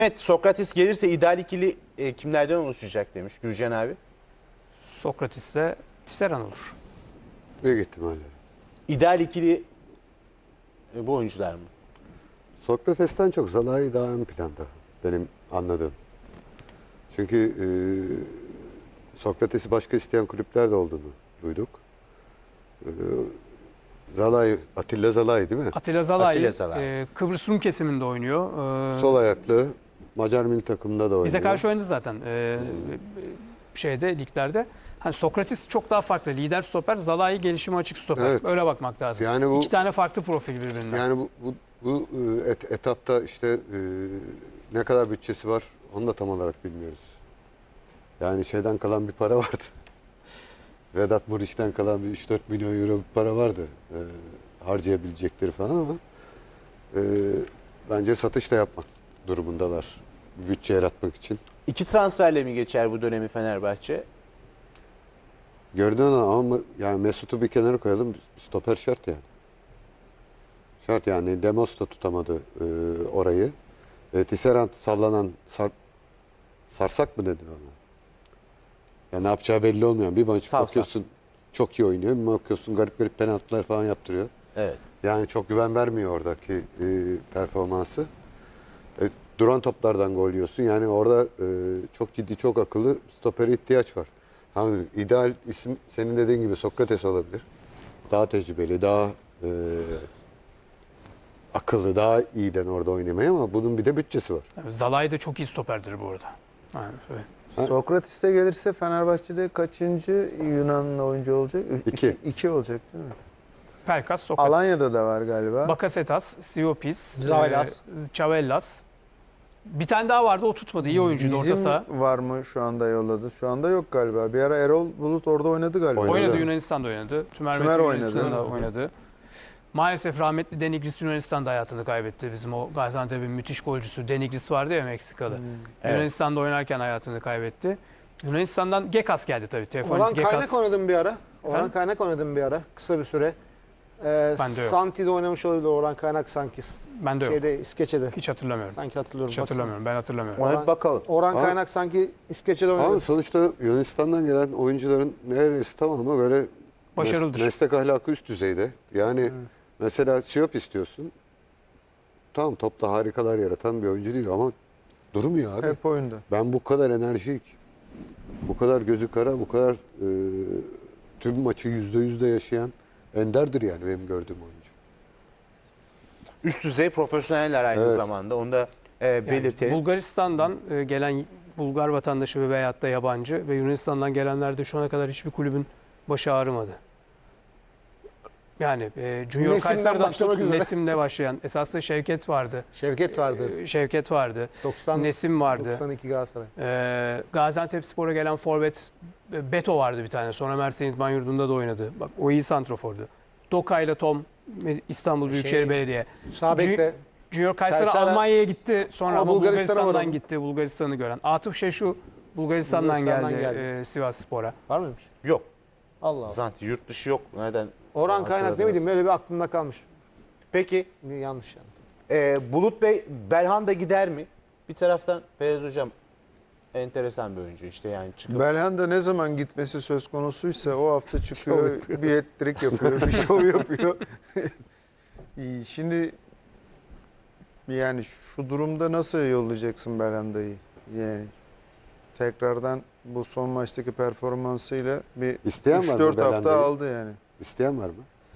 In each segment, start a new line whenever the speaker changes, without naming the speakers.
Evet, Sokrates gelirse ideal ikili kimlerden oluşacak demiş Gürcan abi.
Sokrates'le Tisserand olur.
Büyük ihtimalle.
İdeal ikili bu oyuncular mı?
Sokrates'ten çok Zalai daha ön planda benim anladığım. Çünkü Sokrates'i başka isteyen kulüpler de olduğunu duyduk. Zalai, Atilla Zalai değil mi?
Atilla Zalai,
Atilla Zalai.
Kıbrıs Rum kesiminde oynuyor.
Sol ayaklı, Macar milli takımında da oynuyor.
Bize karşı oynadı zaten liglerde. Hani Sokrates çok daha farklı. Lider stoper, Zalai gelişime açık stoper.
Evet.
Öyle bakmak lazım.
Yani bu-
İki tane farklı profil birbirinden.
Yani bu etapta işte ne kadar bütçesi var onu da tam olarak bilmiyoruz. Yani şeyden kalan bir para vardı. Vedat Muriç'ten kalan bir 3-4 milyon euro bir para vardı. Harcayabilecekleri falan ama bence satış da yapmak durumundalar. Bir bütçe yaratmak için.
2 transferle mi geçer bu dönemi Fenerbahçe?
Gördün ama yani Mesut'u bir kenara koyalım. Stoper şart yani. Şart yani. Demos da tutamadı orayı. Tisserand sallanan sarsak mı dedin ona? Ya ne yapacağı belli olmuyor. Bir maç
Savsak.
bakıyorsun çok iyi oynuyor. Bir bakıyorsun garip garip penaltılar falan yaptırıyor.
Evet.
Yani çok güven vermiyor oradaki performansı. Duran toplardan gol yiyorsun. Yani orada çok ciddi, çok akıllı stopere ihtiyaç var. Hani ideal isim senin dediğin gibi Sokrates olabilir. Daha tecrübeli, daha akıllı, daha iyiden orada oynamaya ama bunun bir de bütçesi var.
Yani Zalai de çok iyi stoperdir bu arada. Yani şöyle.
Sokrates'te gelirse Fenerbahçe'de kaçıncı Yunanlı oyuncu olacak?
İki.
İki olacak değil mi?
Pelkas, Sokrates.
Alanya'da da var galiba.
Bakasetas, Siopis,
Zailas.
Çavellas. Bir tane daha vardı, o tutmadı. İyi oyuncuydu orta saha.
var mı şu anda yolladı? Şu anda yok galiba. Bir ara Erol Bulut orada oynadı galiba.
Oynadı, Yunanistan'da oynadı. Tümer
Tümer
Metin
oynadı.
Yunanistan'da oynadı. Maalesef rahmetli Denigris Yunanistan'da hayatını kaybetti. Bizim o Gaziantep'in müthiş golcüsü Denigris vardı ya, Meksikalı.
Evet.
Yunanistan'da oynarken hayatını kaybetti. Yunanistan'dan Gekas geldi tabii. Teofanis
Orhan Kaynak
Gekas.
oynadım bir ara. Orhan
Efendim?
Kaynak oynadım bir ara. Kısa bir süre.
Bende yok.
Santi'de oynamış olabilir Orhan Kaynak sanki.
Bende yok.
İskeçe'de.
Hiç hatırlamıyorum.
Sanki hatırlıyorum.
Hiç hatırlamıyorum. Ben hatırlamıyorum.
Ona bir bakalım.
Orhan
Ama-
Kaynak sanki İskeçe'de oynadı.
Ama sonuçta Yunanistan'dan gelen oyuncuların neredeyse tamamı böyle
Başarılıdır.
meslek ahlakı üst düzeyde. Yani mesela Siop istiyorsun. Tamam, topta harikalar yaratan bir oyuncu değil ama durmuyor abi.
Hep oyunda.
Ben bu kadar enerjik, bu kadar gözü kara, bu kadar tüm maçı %100'de yaşayan enderdir yani benim gördüğüm oyuncu.
Üst düzey profesyoneller aynı
Evet.
zamanda. Onu da belirtelim.
Bulgaristan'dan gelen Bulgar vatandaşı veyahut da yabancı ve Yunanistan'dan gelenler de şu ana kadar hiçbir kulübün başı ağrımadı. Yani Junior
Nesim'den
Kayseri'den
başlamak
tut,
üzere.
Nesim'le başlayan. Esasında Şevket vardı.
Şevket vardı.
Şevket vardı.
90,
Nesim vardı.
92 Galatasaray.
Gaziantepspor'a gelen forvet Beto vardı bir tane. Sonra Mersin İdman Yurdu'nda da oynadı. Bak o iyi santrofordu. Doka ile Tom İstanbul Büyükşehir Belediye.
Sağ bekte.
Junior Kayseri
Sersera-
Almanya'ya gitti. Sonra
Ama
ama
Bulgaristan'a
Bulgaristan'dan
var.
gitti. Bulgaristan'ı gören. Atıf Şeşu Bulgaristan'dan geldi,
geldi.
Sivasspor'a.
Var mıymış?
Yok.
Allah Allah.
Zaten yurt dışı yok. Nereden?
Orhan Kaynak ne
hatırladınız?
bileyim böyle bir aklımda kalmış.
Peki
Yanlış yani.
Bulut Bey, Belhanda gider mi? Bir taraftan Feyyaz Hocam enteresan bir oyuncu işte yani çıkıp.
Belhanda ne zaman gitmesi söz konusuysa o hafta çıkıyor, bir hat-trick yapıyor, bir şov yapıyor. İyi, şimdi yani şu durumda nasıl yollayacaksın Belhanda'yı? Yani tekrardan bu son maçtaki performansıyla bir
İsteyen var mı
3-4 hafta
Belhanda'yı?
aldı yani.
İsteyen var mı?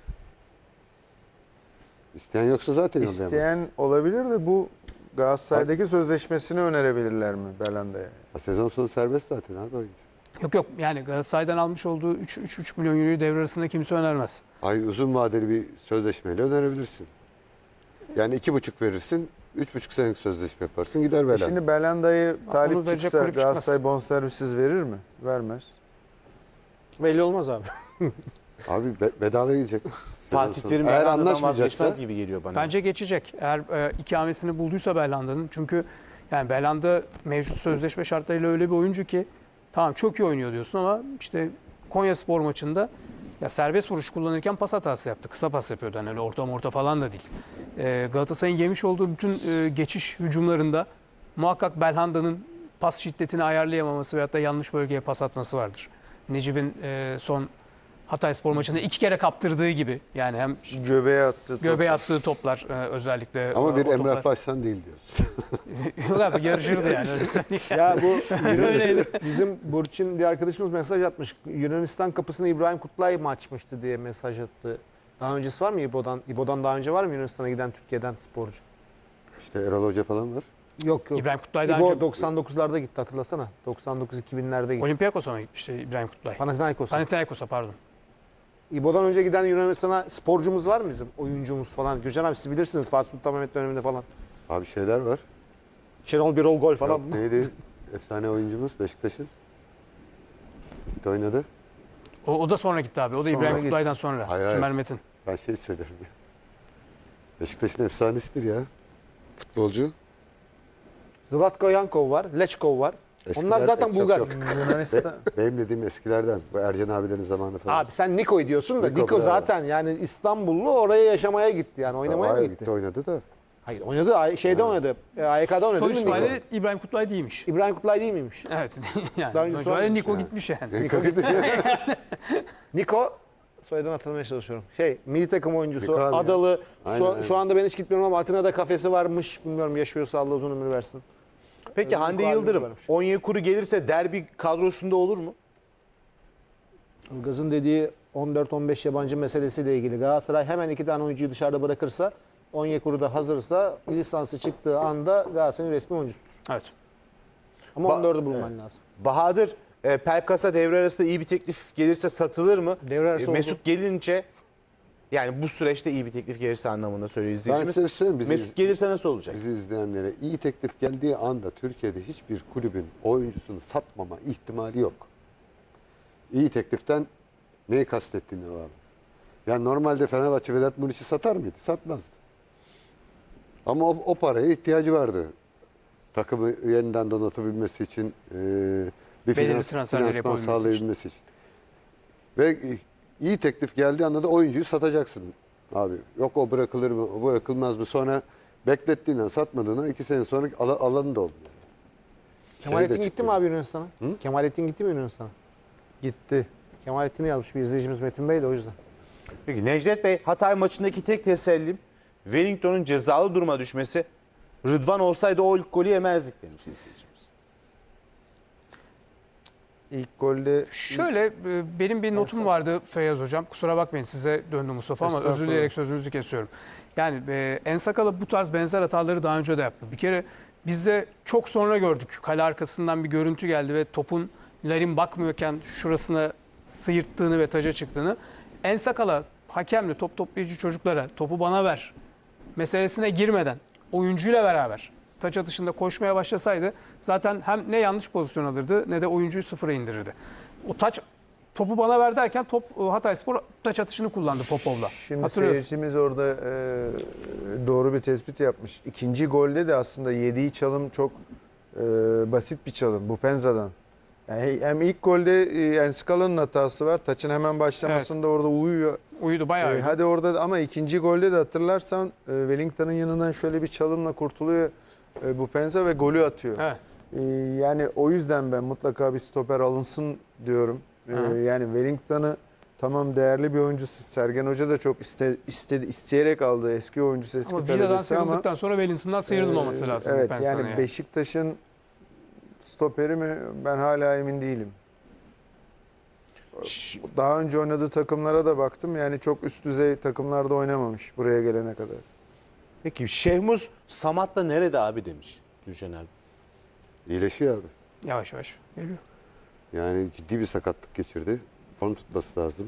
İsteyen yoksa zaten yollayamaz.
İsteyen olabilir de bu Galatasaray'daki sözleşmesini önerebilirler mi Belhanda'ya?
Sezon sonu serbest zaten abi oyuncu.
Yok yani Galatasaray'dan almış olduğu 3,5 milyon euroyu devre arasında kimse önermez.
Ay uzun vadeli bir sözleşmeyle önerebilirsin. Yani 2,5 verirsin, 3,5 senelik sözleşme yaparsın, gider Belhanda.
Şimdi Belhanda'yı
Onu
talip
verecek
çıksa
kulüp çıkmaz.
Galatasaray bonservisiz verir mi? Vermez.
Belli olmaz abi.
Abi bedava gidecek.
Fatih Terim
Eğer
Belhanda'dan
anlaşmayacaksa
vazgeçmez gibi geliyor bana.
Bence geçecek. Eğer ikametini bulduysa Belhanda'nın. Çünkü yani Belhanda mevcut sözleşme şartlarıyla öyle bir oyuncu ki tamam çok iyi oynuyor diyorsun ama işte Konyaspor maçında ya serbest vuruş kullanırken pas hatası yaptı. Kısa pas yapıyordu. Yani öyle orta falan da değil. Galatasaray'ın yemiş olduğu bütün geçiş hücumlarında muhakkak Belhanda'nın pas şiddetini ayarlayamaması veyahut da yanlış bölgeye pas atması vardır. Necip'in son Hatayspor maçında 2 kere kaptırdığı gibi. Yani hem
Göbeğe attı.
göbeğe attığı toplar özellikle.
Ama bir
o
Emrah
toplar.
Başsan değil diyorsun.
Yok abi, yarışırdı yani. Öyle söyleyeyim.
Ya bu
Öyleydi.
bizim Burçin bir arkadaşımız mesaj atmış. Yunanistan kapısını İbrahim Kutlay mı açmıştı diye mesaj attı. Daha öncesi var mı İbo'dan? İbo'dan daha önce var mı Yunanistan'a giden Türkiye'den sporcu?
İşte Erol Hoca falan var.
Yok yok.
İbrahim Kutlay daha
İbo
önce
99'larda gitti, hatırlasana. 99-2000'lerde gitti.
Olympiakos'a mı gitmişti İbrahim Kutlay?
Panathinaikos'a.
Panathinaikos'a pardon.
İbo'dan önce giden Yunanistan'a sporcumuz var mı bizim? Oyuncumuz falan. Gürcan abi siz bilirsiniz Fatih Sultan Mehmet döneminde falan.
Abi şeyler var.
Şenol Birol gol falan.
Yok, neydi? Efsane oyuncumuz Beşiktaş'ın. Gitti oynadı.
O da sonra gitti abi. O da
Sonra
İbrahim
gitti.
Kutlay'dan sonra.
Hayır,
Tümer
hayır.
Metin.
Ben şey söylüyorum ya. Beşiktaş'ın efsanesidir ya. Futbolcu.
Zlatko Yankov var. Lechkov var. Onlar zaten
çok
Bulgar.
yok.
Yunanistan.
Benim dediğim eskilerden. Bu Ercan abilerin zamanı falan.
Abi sen Niko'yu diyorsun da
Niko,
Niko
bravo.
zaten yani İstanbullu, oraya yaşamaya gitti yani oynamaya mı
Hayır,
gitti?
oynadı da.
Hayır oynadı, şeyde oynadı. AYK'da oynadı
Sonuç
değil mi Niko?
itibariyle İbrahim Kutlay değilmiş.
İbrahim Kutlay değil miymiş?
Evet. yani
Daha önce
sonuç itibariyle
sormamış
Niko
yani.
gitmiş yani.
Niko gitti. Niko soyadını hatırlamaya çalışıyorum. Milli takım oyuncusu,
Niko abi ya.
Adalı.
Aynen, aynen.
Şu anda ben hiç gitmiyorum ama Atina'da kafesi varmış. Bilmiyorum, yaşıyorsa Allah uzun ömür versin.
Peki Hande
Niko
Yıldırım
abimiz varmış.
Onyekuru gelirse derbi kadrosunda olur mu?
Ilgaz'ın dediği 14-15 yabancı meselesiyle ilgili. Galatasaray hemen 2 tane oyuncuyu dışarıda bırakırsa, Onyekuru da hazırsa lisansı çıktığı anda Galatasaray'ın resmi oyuncusudur.
Evet.
Ama
Ba-
14'ü bulman lazım.
Bahadır, Pelkas'a devre arasında iyi bir teklif gelirse satılır mı?
Devre arası oldu.
Mesut gelince, yani bu süreçte iyi bir teklif gelirse anlamında söylüyor
Ben
izleyicimiz.
size söyleyeyim.
Mesut gelirse nasıl olacak?
Bizi izleyenlere iyi teklif geldiği anda Türkiye'de hiçbir kulübün oyuncusunu satmama ihtimali yok. İyi tekliften neyi kastettiğine bağlı. Yani normalde Fenerbahçe Vedat Muriç'i satar mıydı? Satmazdı. Ama o paraya ihtiyacı vardı. Takımı yeniden donatabilmesi için, bir
Belirli transferler
finansman
yapabilmesi için.
sağlayabilmesi için. Ve iyi teklif geldiği anda da oyuncuyu satacaksın abi. Yok o bırakılır mı, o bırakılmaz mı? Sonra beklettiğinden satmadığına 2 sene sonra alanı da olmuyor.
Kemalettin
Şey de
gitti mi
çıkıyor.
abi Yunanistan'a? Kemalettin gitti mi Yunanistan'a?
Gitti.
Kemalettin'i yazmış bir izleyicimiz Metin Bey de o yüzden.
Peki Necdet Bey, Hatay maçındaki tek tesellim Wellington'un cezalı duruma düşmesi. Rıdvan olsaydı o ilk golü yemezdik demiş izleyicimiz.
İlk golde
Şöyle benim bir notum vardı Feyyaz Hocam. Kusura bakmayın size döndü Mustafa ama özür
Estağfurullah.
dileyerek sözünüzü kesiyorum. Yani Ensakala bu tarz benzer hataları daha önce de yaptı. Bir kere biz de çok sonra gördük. Kale arkasından bir görüntü geldi ve topun Larin bakmıyorken şurasına sıyırttığını ve taca çıktığını. Ensakala hakemle top toplayıcı çocuklara topu bana ver meselesine girmeden oyuncuyla beraber taç atışında koşmaya başlasaydı zaten hem ne yanlış pozisyon alırdı ne de oyuncuyu sıfıra indirirdi. O topu bana ver derken Hatayspor taç atışını kullandı Popov'la.
Şimdi
Hatırlıyorsun.
seyircimiz orada doğru bir tespit yapmış. İkinci golde de aslında yediği çalım çok basit bir çalım. Bu Penza'dan. Yani hem ilk golde Enskala'nın hatası var. Taçın hemen başlamasında orada uyuyor.
Uyudu bayağı uyudu.
Hadi orada ama ikinci golde de hatırlarsan Wellington'ın yanından şöyle bir çalımla kurtuluyor bu Penza ve golü atıyor.
Evet.
Yani o yüzden ben mutlaka bir stoper alınsın diyorum.
Hı.
Yani Wellington'ı tamam değerli bir oyuncusu. Sergen Hoca da çok isteyerek aldı eski oyuncusu, eski
Ama Vida'dan
talebesi ama
sıyrıldıktan sonra Wellington'dan sıyrılmaması lazım.
Evet
ben sana
yani Beşiktaş'ın stoperi mi ben hala emin değilim. Daha önce oynadığı takımlara da baktım. Yani çok üst düzey takımlarda oynamamış buraya gelene kadar.
Peki Şehmuz Samat'la nerede abi demiş Gülşen abi.
İyileşiyor abi.
Yavaş yavaş geliyor.
Yani ciddi bir sakatlık geçirdi. Form tutması lazım.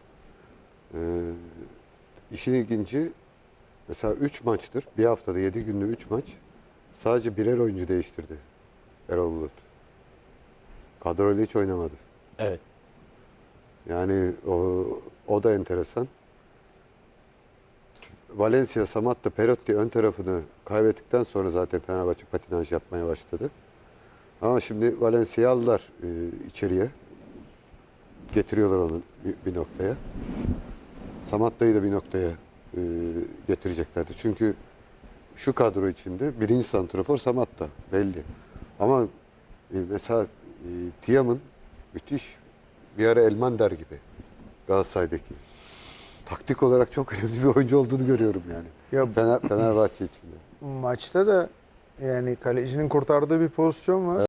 İşin ilginci mesela 3 maçtır. Bir haftada 7 günde 3 maç. Sadece birer oyuncu değiştirdi Erol Bulut. Kadroyla hiç oynamadı.
Evet.
Yani o da enteresan. Valencia, Samatta, Perotti ön tarafını kaybettikten sonra zaten Fenerbahçe patinaj yapmaya başladı. Ama şimdi Valencia'yı aldılar içeriye. Getiriyorlar onu bir noktaya. Samatta'yı da bir noktaya getireceklerdi. Çünkü şu kadro içinde birinci santrafor Samatta belli. Ama mesela Tiam'ın müthiş bir ara Elmander gibi Galatasaray'daki. Taktik olarak çok önemli bir oyuncu olduğunu görüyorum yani.
Ya
Fenerbahçe içinde.
maçta da yani kalecinin kurtardığı bir pozisyon var.